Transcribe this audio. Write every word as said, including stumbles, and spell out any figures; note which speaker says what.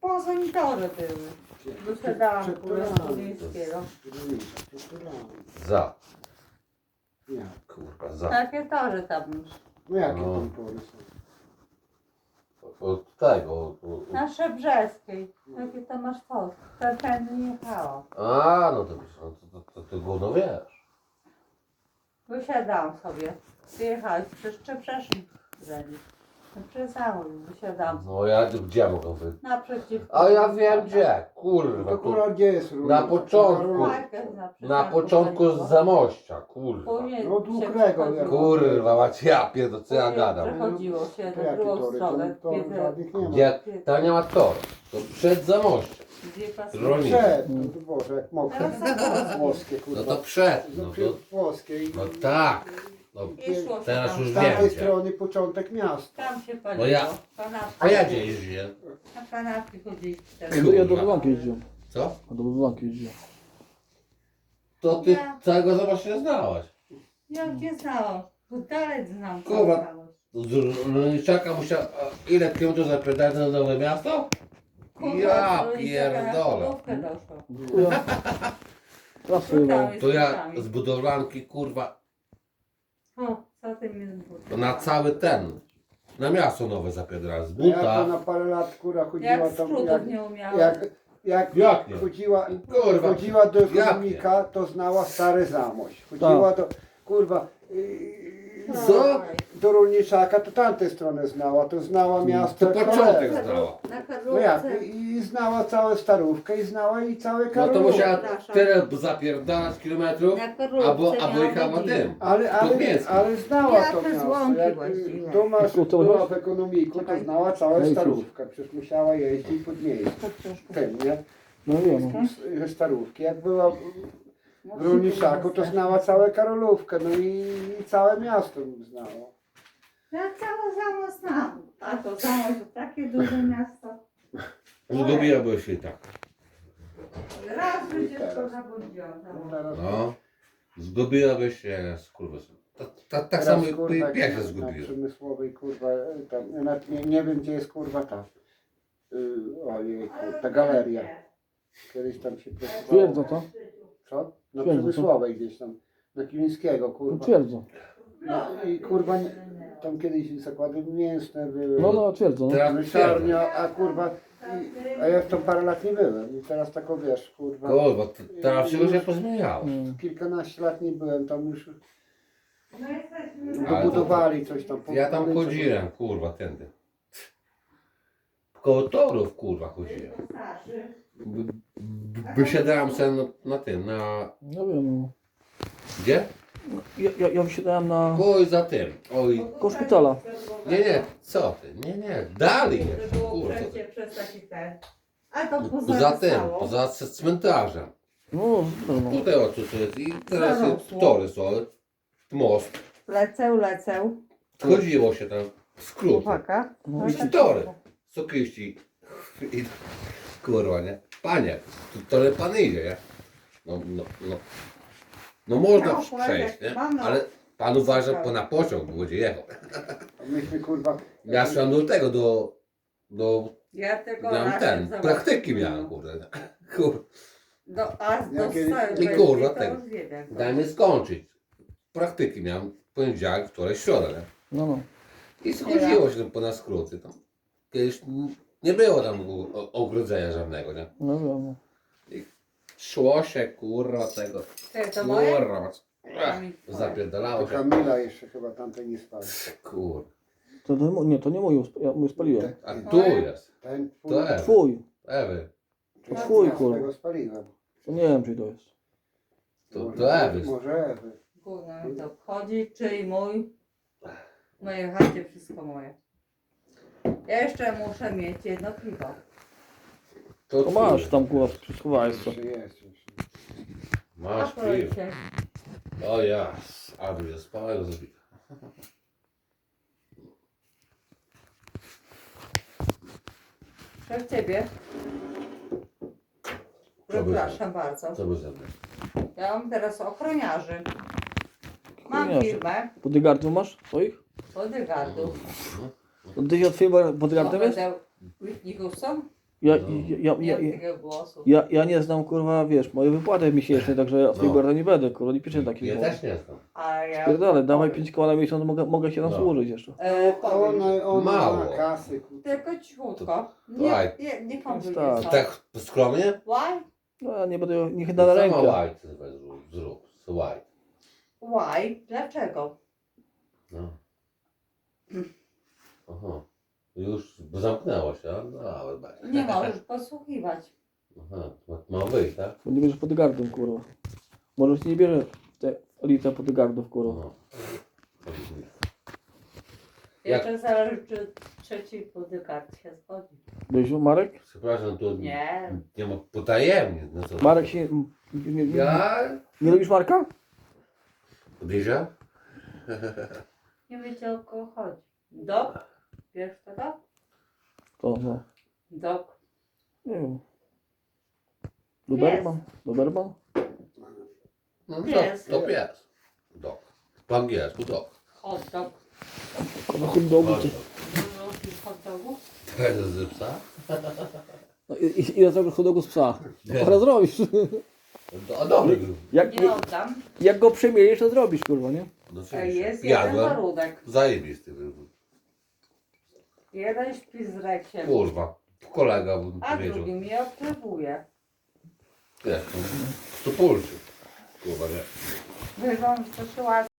Speaker 1: pozonitory były. Wysiadałam kurę z Tulińskiego.
Speaker 2: Za.
Speaker 3: Nie.
Speaker 2: Kurwa, za.
Speaker 1: Takie tory tam już.
Speaker 3: No jakie
Speaker 2: No.
Speaker 3: tam pory są?
Speaker 2: Od tego. Od, od...
Speaker 1: Na Szebrzeskiej. Jakie to masz to? To tędy jechało.
Speaker 2: A, no to wiesz, no to, to, to, to gówno wiesz.
Speaker 1: Wysiadałam sobie. Wyjechałeś przez Szczebrzeszyn. Przez Załój wysiadałam.
Speaker 2: No ja gdzie ja mogę wy...
Speaker 1: Naprzeciwko.
Speaker 2: A ja wiem gdzie, kurwa.
Speaker 3: To
Speaker 2: Tu,
Speaker 3: kurwa gdzie jest różnica?
Speaker 2: na początku.
Speaker 1: Na,
Speaker 2: na początku z Zamościa, kurwa.
Speaker 1: Później
Speaker 3: No,
Speaker 1: się
Speaker 3: długrego,
Speaker 1: przechodziło.
Speaker 3: jak-
Speaker 2: Kurwa, macie ja pierdolę, co ja
Speaker 1: Później
Speaker 2: gadam.
Speaker 1: Przechodziło się
Speaker 3: To
Speaker 1: na
Speaker 3: jakie
Speaker 1: drugą
Speaker 3: tory?
Speaker 1: stronę.
Speaker 3: To, to
Speaker 1: Kiedy-
Speaker 3: żadnych nie ma.
Speaker 2: Gdzie? Tam nie ma toru. To przed Zamościem.
Speaker 1: gdzie pasuje.
Speaker 2: Rolnik.
Speaker 3: Przed, no to Boże, jak mokre.
Speaker 1: Teraz
Speaker 3: Włoskie, kurwa.
Speaker 2: No to przed, no
Speaker 3: No,
Speaker 2: to...
Speaker 3: włoskie. i-
Speaker 2: No tak. No,
Speaker 1: I szło się
Speaker 2: teraz
Speaker 1: tam.
Speaker 2: już
Speaker 3: Z
Speaker 2: wiem
Speaker 3: tamtej
Speaker 2: gdzie.
Speaker 3: strony początek miasta.
Speaker 1: Tam się paliło.
Speaker 2: No ja-
Speaker 1: Kanapki.
Speaker 2: A ja gdzie jeździłem?
Speaker 1: Na kanapki chodziliśmy
Speaker 4: Ja
Speaker 1: teraz.
Speaker 4: do, ja do Wyłanki jeździłem.
Speaker 2: Co?
Speaker 4: A do Wyłanki jeździłem.
Speaker 2: To ty całego Zamościa nie znałaś.
Speaker 1: Ja nie znałam. Dalej znam.
Speaker 2: Kurwa.
Speaker 1: całość.
Speaker 2: Z Rolniczaka musiał... a Ile kilometrów zapierdać na Nowe Miasto?
Speaker 1: Kurwa,
Speaker 2: Ja
Speaker 1: z
Speaker 2: pierdolę.
Speaker 1: Polówkę doszło.
Speaker 4: Ja. Trasy jechałem.
Speaker 2: To ja z budowlanki, kurwa,
Speaker 1: O, co ty mi zbudzi?
Speaker 2: to na cały ten, na miasto nowe zapierdala, z
Speaker 3: A ja to
Speaker 2: buta.
Speaker 3: na parę lat kurwa chodziła
Speaker 1: Jak
Speaker 3: tam.
Speaker 1: skrótów
Speaker 3: Jak,
Speaker 1: nie umiałam.
Speaker 3: jak, jak,
Speaker 2: Jak nie?
Speaker 3: chodziła,
Speaker 2: Kurwa,
Speaker 3: chodziła do
Speaker 2: jak
Speaker 3: ekonomika, to znała stary Zamość. Chodziła do, kurwa, yy,
Speaker 2: Co?
Speaker 3: do Rolniczaka, to tamtej strony znała, to znała miasto.
Speaker 2: To
Speaker 3: jak
Speaker 2: początek
Speaker 3: cholera.
Speaker 2: znała.
Speaker 1: Na
Speaker 3: No jak,
Speaker 1: Karlówce.
Speaker 3: i znała całą Starówkę i znała i całe
Speaker 2: No to
Speaker 3: Karolówkę.
Speaker 2: musiała tyle zapierdalać kilometrów,
Speaker 1: Na Karlówce
Speaker 2: albo, albo
Speaker 1: miałam
Speaker 2: jechała
Speaker 1: godzinę.
Speaker 2: tym.
Speaker 3: Ale, ale,
Speaker 2: Mięskim.
Speaker 3: ale znała
Speaker 1: Ja
Speaker 3: to
Speaker 1: te
Speaker 3: miasto.
Speaker 1: złąki
Speaker 3: Jak
Speaker 1: właściwie.
Speaker 3: to masz,
Speaker 4: To- to
Speaker 3: była
Speaker 4: masz?
Speaker 3: w ekonomiku, to
Speaker 1: Czekaj.
Speaker 3: znała całą
Speaker 4: No i
Speaker 3: Starówkę. Przecież musiała jeździć pod miejsce. Tym, nie?
Speaker 4: No wiem.
Speaker 3: Ze Starówki. Jak była w Rolniczaku, to znała całą Karolówkę. No i, i całe miasto znała.
Speaker 1: Ja całe Zamość znam. A to Zamość to takie duże miasto.
Speaker 2: Zgubiłabyś się i tak.
Speaker 1: Raz by dziecko zabłądziło.
Speaker 3: No teraz,
Speaker 2: No. Zgubiłabyś się, jak kurwa. Ta, ta, tak
Speaker 3: teraz,
Speaker 2: samo
Speaker 3: kurwa,
Speaker 2: jak ja się
Speaker 3: na- Na
Speaker 2: zgubiłem.
Speaker 3: Przemysłowej, kurwa, tam, ja nawet nie, nie wiem, gdzie jest, kurwa, ta. Yy, ojej, ta galeria. Kiedyś tam się pracowało.
Speaker 4: Twierdza to?
Speaker 3: Co? Na
Speaker 4: Twierdza,
Speaker 3: Przemysłowej gdzieś tam. Na Kilińskiego,
Speaker 4: No
Speaker 3: kurwa.
Speaker 4: twierdza.
Speaker 3: No i kurwa, nie- tam kiedyś zakłady mięsne były.
Speaker 4: No no twierdza. No.
Speaker 2: Teraz
Speaker 3: Myślarnia, a kurwa, i, a ja w to parę lat nie byłem. I teraz tako wiesz, kurwa.
Speaker 2: Kurwa, t- teraz wszystko się pozmieniało.
Speaker 4: Mm.
Speaker 3: Kilkanaście lat nie byłem, tam już
Speaker 1: No jesteśmy
Speaker 2: Ale to-
Speaker 3: dobudowali coś tam.
Speaker 2: Ja tam
Speaker 3: pobudowali
Speaker 2: chodziłem, kurwa, tędy. Koło torów, kurwa, chodziłem.
Speaker 1: starszy.
Speaker 2: B- b- Wysiadałem sobie na, na tym, na...
Speaker 4: No wiem. No.
Speaker 2: Gdzie?
Speaker 4: Ja, ja, ja wysiadałem na...
Speaker 2: Oj, za tym. Oj,
Speaker 4: Koło szpitala.
Speaker 2: nie, nie, co ty? Nie, nie, dalej
Speaker 1: To
Speaker 2: jeszcze,
Speaker 1: było
Speaker 2: kurwa.
Speaker 1: przejście przez taki ten. A to poza
Speaker 2: Za tym, poza c- cmentarzem.
Speaker 4: No, no, no.
Speaker 2: Tutaj o co to jest i teraz
Speaker 1: Zarosło.
Speaker 2: tory są, most.
Speaker 1: Lecę, lecę.
Speaker 2: Chodziło się tam, skrót.
Speaker 1: Chłopaka.
Speaker 4: No.
Speaker 2: I tory. Sokyści. I, kurwa, nie? Panie, to, to pan idzie, nie? No, no, no. No można
Speaker 1: No,
Speaker 2: przejść, nie?
Speaker 1: pan, no.
Speaker 2: Ale pan uważa, bo na pociąg będzie jechał.
Speaker 3: A myśmy kurwa.
Speaker 2: Ja szłam do tego, do... do
Speaker 1: Ja tylko
Speaker 2: miałem
Speaker 1: raz
Speaker 2: ten,
Speaker 1: zobaczyłam.
Speaker 2: praktyki miałem, kurde. Kur,
Speaker 1: Do, a do
Speaker 3: Ja kiedyś-
Speaker 1: całej
Speaker 2: I kurwa,
Speaker 1: to
Speaker 2: tego.
Speaker 1: już jeden.
Speaker 2: daj mi skończyć. Praktyki miałem w poniedziałek, wtorek, środę, nie?
Speaker 4: No, no.
Speaker 2: I schodziło się tam po na skróty. Tam. Kiedyś nie było tam o- ogrodzenia żadnego, nie?
Speaker 4: No wiem. No.
Speaker 2: Szło się, kurwa, tego.
Speaker 1: Ty, to moje?
Speaker 2: Kurwa. Ach, zapierdalało
Speaker 3: To
Speaker 2: się.
Speaker 3: Kamila jeszcze chyba tamtej nie spali.
Speaker 2: Kur.
Speaker 4: To, to, nie, to nie mój, ja mój spaliłem.
Speaker 2: A tu jest.
Speaker 3: Ten twój,
Speaker 2: To Ewy.
Speaker 4: Twój.
Speaker 2: Ewy.
Speaker 3: to
Speaker 4: twój,
Speaker 3: ja
Speaker 4: kurwa.
Speaker 3: swego spaliłem.
Speaker 4: To nie wiem, czy to jest.
Speaker 2: To,
Speaker 3: Może-
Speaker 2: to Ewy.
Speaker 3: Może Ewy.
Speaker 1: Gówno mi to obchodzi, czyj mój. W mojej chacie wszystko moje. Ja jeszcze muszę mieć jedno piwo.
Speaker 2: To
Speaker 4: To masz
Speaker 2: twój.
Speaker 4: tam kurwa, schowałeś co.
Speaker 3: Jeszcze jest. Jeszcze.
Speaker 2: Masz
Speaker 1: A
Speaker 2: piwo.
Speaker 1: proszę.
Speaker 2: O jas. Aby ze spałego zabita.
Speaker 1: To w ciebie.
Speaker 2: Co by
Speaker 1: Przepraszam bardzo.
Speaker 2: Co by ze mną?
Speaker 1: Ja mam teraz ochroniarzy. Mam
Speaker 4: Ochroniarzy.
Speaker 1: firmę
Speaker 4: Bodyguardów masz swoich?
Speaker 1: bodyguardów.
Speaker 4: To ty się od twoim bodyguardem jest?
Speaker 1: Whitney Houston?
Speaker 4: Ja,
Speaker 2: No.
Speaker 4: ja, ja,
Speaker 1: Nie
Speaker 4: ja,
Speaker 1: mam
Speaker 4: ja,
Speaker 1: takiego głosu.
Speaker 4: ja, ja nie znam, kurwa, wiesz, moje wypłaty miesięczne, także ja swojego
Speaker 2: No.
Speaker 4: nie będę, kurwa, nie piszę takich
Speaker 2: Ja
Speaker 4: rzeczy.
Speaker 2: też nie znam.
Speaker 1: A ja
Speaker 4: Pierdolę, dawaj
Speaker 1: powiem.
Speaker 4: pięć koła na miesiąc, mogę, mogę się tam
Speaker 2: No.
Speaker 4: służyć jeszcze.
Speaker 1: E, powiem.
Speaker 3: Ona, ona
Speaker 2: Mało.
Speaker 3: ma kasy, kurwa.
Speaker 1: Tylko cichutko.
Speaker 2: Dawaj.
Speaker 1: Nie, nie, nie komplikuj
Speaker 4: Tak.
Speaker 1: sobie.
Speaker 2: Tak skromnie?
Speaker 1: Why?
Speaker 4: No ja nie będę, niech da na
Speaker 2: Sama
Speaker 4: rękę.
Speaker 2: white zrób, zrób. White.
Speaker 1: Why? Dlaczego?
Speaker 2: No. Aha. Już zamknęło się, a? no ale będzie.
Speaker 1: Nie możesz posłuchiwać.
Speaker 2: Aha, ma- ma wyjść, tak?
Speaker 4: Bo nie bierzesz pod gardłem, kurwa. Może się nie bierze te elita pod gardów, kurwa.
Speaker 2: No.
Speaker 1: Jeszcze zależy, czy trzeci podykard się zgodzi.
Speaker 4: Byś Marek?
Speaker 2: Przepraszam, tu
Speaker 1: Nie.
Speaker 2: nie ma potajemnie. No co?
Speaker 4: Marek się... Nie, nie, nie,
Speaker 2: Ja?
Speaker 4: nie lubisz Marka?
Speaker 2: Podejrzewam?
Speaker 1: Nie wiecie, o kogo chodzi. Dok? Wiesz kto to?
Speaker 4: To, no.
Speaker 1: Dok.
Speaker 4: Nie wiem. Doberman? Doberman?
Speaker 2: No,
Speaker 1: Pies.
Speaker 2: To, to pies. Dog. Po angielsku dog.
Speaker 1: Hot dog.
Speaker 4: Kurwa, hot dogu.
Speaker 2: Hot
Speaker 4: czy-
Speaker 2: dog.
Speaker 1: Dużo tych hot dogów?
Speaker 2: To jest z psa?
Speaker 4: No, i- i- ile zrobisz hot dogu z psa?
Speaker 2: Nie.
Speaker 4: To teraz zrobisz.
Speaker 2: No, a dobry.
Speaker 4: Jak,
Speaker 1: Nie oddam.
Speaker 4: jak go przemielisz, to zrobisz, kurwa, nie?
Speaker 2: No,
Speaker 1: E,
Speaker 2: oczywiście.
Speaker 1: Jest jeden
Speaker 2: Jadłem.
Speaker 1: warunek.
Speaker 2: Zajebisty był.
Speaker 1: Jeden śpi z rekiem,
Speaker 2: Kurwa. Kolega bym
Speaker 1: a
Speaker 2: powiedział.
Speaker 1: drugi mnie obserwuje.
Speaker 2: Wiesz, to pulczy. Kurwa, nie.
Speaker 1: Wyrząd to się